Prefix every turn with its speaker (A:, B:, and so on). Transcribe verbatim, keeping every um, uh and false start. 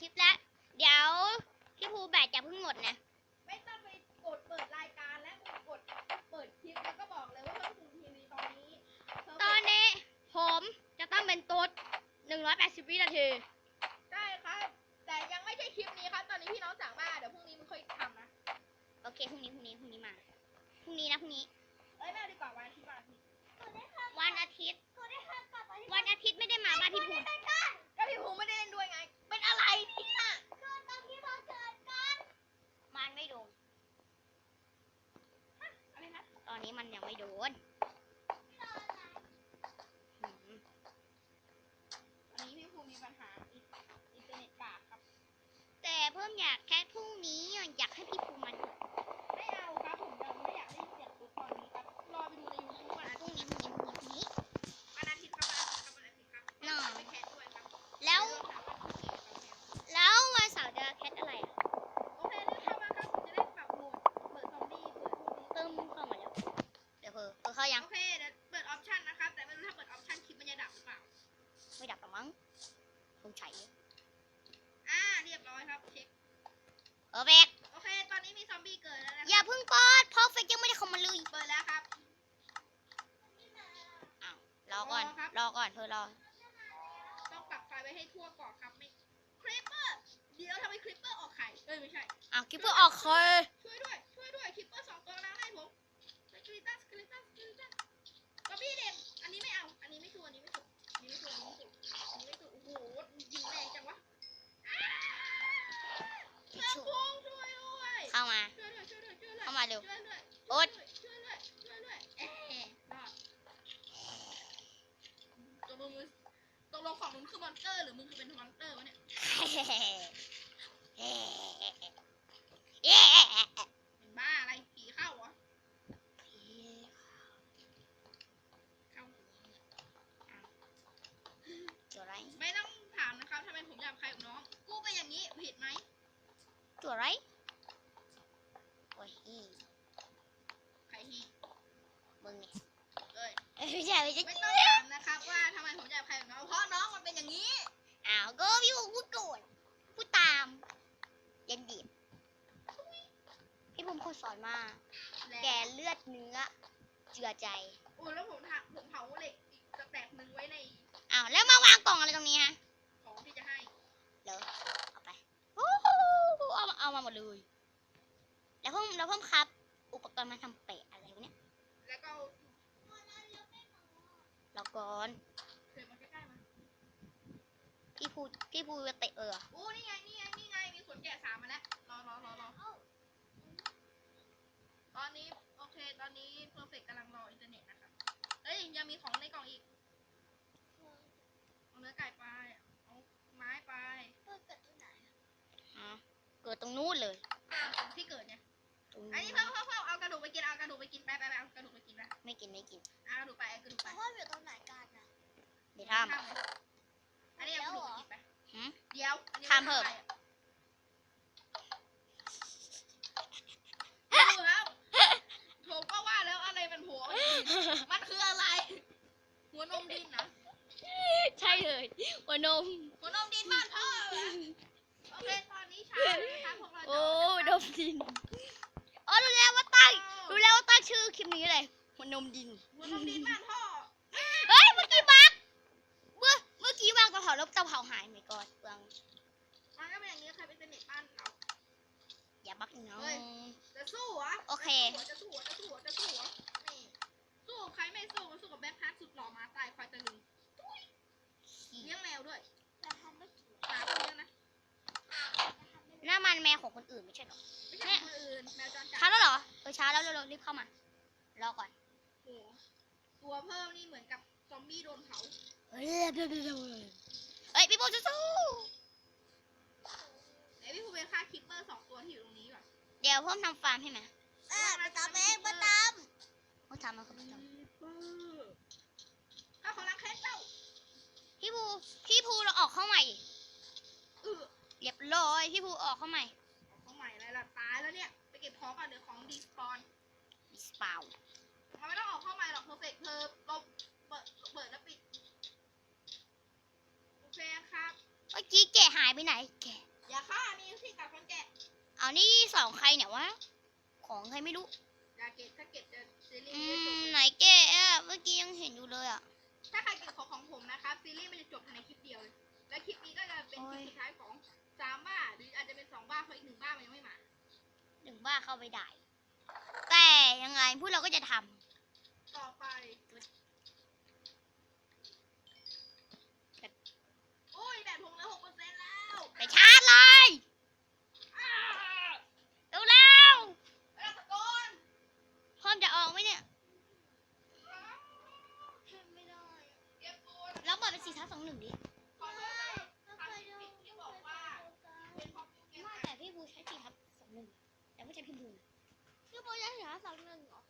A: คลิปแล้วเดี๋ยวพี่ภูแบตจะเพิ่งหมดนะ
B: ไม่ต้องไปกดเปิดรายการและกดเปิดคลิปแล้วก็บอกเลยว่าเพิ่มพูนทีวีตอนนี้
A: ตอนนี้ผมจะต้องเป็นตุ๊ดหนึ่งร้อยแปดสิบวินาที
B: ใช่ครับแต่ยังไม่ใช่คลิปนี้ครับตอนนี้พี่น้องสั่งมาเดี๋ยวพรุ่งนี้มึงค่อยทำนะ
A: โอเคพรุ่งนี้พรุ่งนี้พรุ่งนี้มาพรุ่งนี้นะพรุ่งนี้
B: เอ้ยแม่ดีกว่าวันอาทิตย์
A: วันอาทิตย์วันอาทิตย์ไม่ได้มาบ้านพี่ภู
B: ก็พี่ภูไม่ได้เล่นด้วยไงเป็นอะไรเนี่ย
A: มันไม่โดน
B: อะไรนะ
A: ตอนนี้มันยังไม่โดน
B: อันนี้พี่ภูมีปัญหาอินเทอร์เน็ตกากครับ
A: แต่เพิ่มอยากแค่พรุ่งนี้อยากให้พี่ภูมัน
B: ไม่เอาครับผมยังไม่อยากได้เสียงตุ๊กตอนนี้ครับรอไปดูในยูทูบวันอา
A: พรุ่
B: ทิ
A: ง
B: ตย์
A: นี้พรุ่งนี้พรุ่งนี้
B: วันอาทิตย์ครับวันอาทิตย์ครับวันอาทิตย์ครับน้องไปแคสด้วยครับ
A: แล้วแล้ววันเสาร์จะแคทอะไรอ่ะ
B: โอเครีบเข้ามาครับผมจะได้ปรับโหมดเปิดซอมบี้เปิดพวกนี้
A: เติมเข้ามาแล้วเดี๋ยวเพอเพอเข้ายัง
B: โอเคเดี๋ยวเปิดออปชั่นนะครับแต่ไม่รู้ถ้าเปิดออปชั่นคลิปมันจะดับหรือเปล่า
A: ไม่ดับหรอมั้งคงใช้
B: อ่าเรียบร้อยครับเช็ค
A: เออเบก
B: โอเคตอนนี้มีซอมบี้เกิดแล้วนะ
A: อย่าเพิ่งเปิดเพราะเฟกยังไม่ได้เข้ามาเลย
B: เปิดแล้วครับ
A: อ้าวรอก่อนรอก่อนเธอรอ
B: ต้องปรับไฟไว้ให้ทั่วก่อนครับไม่คลิปเปอร์เดี๋ยวทำไมคลิปเปอร์ออกไข่เอ้ยไม่ใช่
A: อ้าวคลิปเปอร์ออกเคย
B: ช่วยด้วยช่วยด้วยคลิปเปอร์สองตัวแล้วให้ผมสกิลิตัสสกิลิตัสสกิลิตัสซอมบี้เด็กอันนี้ไม่เอาอันนี้ไม่ถูกอันนี้ไม่ถูกอันนี้ไม่ถูกอันนี้ไม่ถูกอันนี้ไม่ถูกโอ้โหยิงแรงจังวะเพื่อนพุงช่วยด้วย
A: เข้ามา
B: ช่วยด้วยช่วยด้วยช่วยด้วย
A: เข้ามาเร็ว
B: ช่วยด้วย
A: โอ๊ต
B: ช่วยด้วยช่วยด้วยเอ๊ะรอดตกลงมึงตกลงฝั่งมึงคือมอนเตอร์หรือมึงคือเป็นมอนเตอร์วะเนี่ยเป็นบ้าอะไรผีเข้าเหรอเข้า
A: ตัวไร
B: ไม่ต้องถามนะครับทำไมผมหยาบคายกับน้องกูเป็นอย่างนี้ผิดไหม
A: ตัวไรโอ้ย
B: ใครฮี
A: มึงเนี่ย
B: เอ้ย
A: ไม่ใช่ไม่ใช่
B: ไม่ต้องถามนะครับว่าทำไมผมหยาบคายกับน้องเพราะน้องมันเป็นอย่างนี้
A: อ้าวก็พี่ภูพูดก่อนพูดตามยันดีบพี่ภูมิคนสอนมาแกเลือดเนื้อเจือใจ
B: โอ้แล้วผมถามผมเผาเหล็กอีกสแต็กหนึ่งไว้ใน
A: อ้าวแล้วมาวางกล่องอะไรตรงนี้ฮะ
B: ของที่จะให้
A: เหรอเอาไปโอ้เอาเอามาหมดเลยแล้วเพิ่มแล้วเพิ่มครับอุปกรณ์มาทำเปะอะไรวะเนี่ย
B: แล้วก็
A: แล้วก่อน
B: เดินมาใกล้ๆมา
A: พี่ภูพี่ภูจะเตะเออ
B: โอ้นี่ไงนี่ไงนี่ไงมีขนแกะสามมาแล้วรอรอรอรอตอนนี้โอเคตอนนี้เพอร์เฟกต์กำลังรออินเทอร์เน็ตนะครับเอ้ยยังมีของในกล่องอีกเอาเนื้อไก่ไปเอาไม้ไป
A: เกิดตรงไหนอ๋อเกิดตรงนู้นเลย
B: ที่เกิดเนี่ยอันนี้เพิ่มเพิ่มเพิ่มเอากระดูกไปกินเอากระดูกไปกินไปไปไปเอากระดูกไปกินนะ
A: ไม่กินไม่กิน
B: เอากระดูกไปเอากระดูกไป
C: พ่ออยู่ตรงไหนกันนะ
A: เดี๋ยวทำ
B: อันนี้เอากระดูกไปกินไปเดี๋ยว
A: ทำเพิ่ม
B: ผมก็ว่าแล้วอะไรมันหัวมันคืออะไรหัวนมดินนะ
A: ใช่เลยหัวนม
B: หัวนมดินบ้านพ่อโอเคตอนนี้เช้านะคะพวกเรา
A: โอ้นมดินอ๋อรู้แล้วว่าตั้งรู้แล้วว่าตั้งชื่อคลิปนี้เลยหัวนมดิน
B: หัวนมดินบ้านพ่อ
A: เฮ้ยเมื่อกี้บักเมื่อเมื่อกี้วางกระเพราแล้วกระเพราหายไหมก่อนเปลือง
B: มันก็เป็นอย่างนี้ใครเป็นเน็ตบ้านเรา
A: อย่าบักน้อง
B: จะสู้เหรอ
A: โอเค
B: จะสู้จะสู้จะสู้นี่สู้ใครไม่สู้สู้กับแบ็คฮาร์ดสุดหล่อมาตายคอยตะลึงเลี้ยงแมวด้วย
C: แต่ทำไม่ถูก
B: หมาก็เลี้ยงนะ
A: น้ามันแมวของคนอื่นไม่ใช่หรอ
B: ไม่ใช่คนอื่นแมวจรจัด
A: ช้าแล้วเหรอเออช้าแล้วเร็วๆรีบเข้ามารอก่อน
B: โอ้ตัวเพิ่มนี่เหมือนกับซอมบี้โดนเผา
A: เฮ้ยเร็วๆเฮ้ยพี่โบสู้
B: ไอพี่ภูเป็นฆ่าคิปเปอร์สองตัวที่อยู่ตรงนี้ว่ะ
A: เดี๋ยวเพิ่มทำฟาร์มให้ไหม
C: เออมาตามเองมาตาม
A: เขาทำมาเขาไม่ทำ
B: ถ้าเขารักแค่เจ้า
A: พี่ภูพี่ภูเราออกเข้าใหม่เรียบร้อยพี่ภูออกเข้าใหม่
B: ออกเข้าใหม่อะไรล่ะตายแล้วเนี่ยไปเก็บของก่อนเดี๋ยวของดีสปอน
A: ดีสปาว
B: มันไม่ต้องออกเข้าใหม่หรอกเพอร์เฟกต์เธอลบเปิดเปิดแล้วปิดโอเคครับ
A: เมื่อกี้แกหายไปไหนแก
B: อย่าฆ่ามีที่กัดคนแกะ
A: เอานี่สองใครเนี่ยวะ ของใครไม่รู้
B: อย่าเก็บถ้าเก็บจะซีรี
A: อื
B: ส์ไม่จบ
A: ม
B: เลย
A: ไหนแกะอะเมื่อกี้ยังเห็นอยู่เลยอ่ะ
B: ถ้าใครเก็บของของผมนะครับซีรีส์มันจะจบภายในคลิปเดียวเลยและคลิปนี้ก็จะเป็นคลิปสุดท้ายของสามบ้าหรืออาจจะเป็นสองบ้าเพราะอีกหนึ่งบ้ามันยังไม่มา
A: หนึ่งบ้าเข้าไปได้ แต่ยังไงพวกเราก็จะท
B: ต่อไปโอ้ยแบตผมเหลือหกเปอร์เซ็นต์แล้ว
A: ำไปชาร์จเลย
B: อ้า
A: เร็วเร็ว
B: เอ้ยตะโกน
A: ๆพร้อมจะออกไหมเนี่ย
C: ทำไม่ได้
B: เก็บตัว
A: แล้วเปิดเป็นสี่ทับสองหนึ่งดิ
B: ขอโทษนะ
C: ไม่เคยดู
B: ที่บอกว่าเป็นเพราะเกม
A: ไม่แต่พี่บูใช้สี่ทับสองหนึ่งแต่ไม่ใช่พี่บูนะ
C: พี่โบจะเหลือสองหนึ่งเหรอ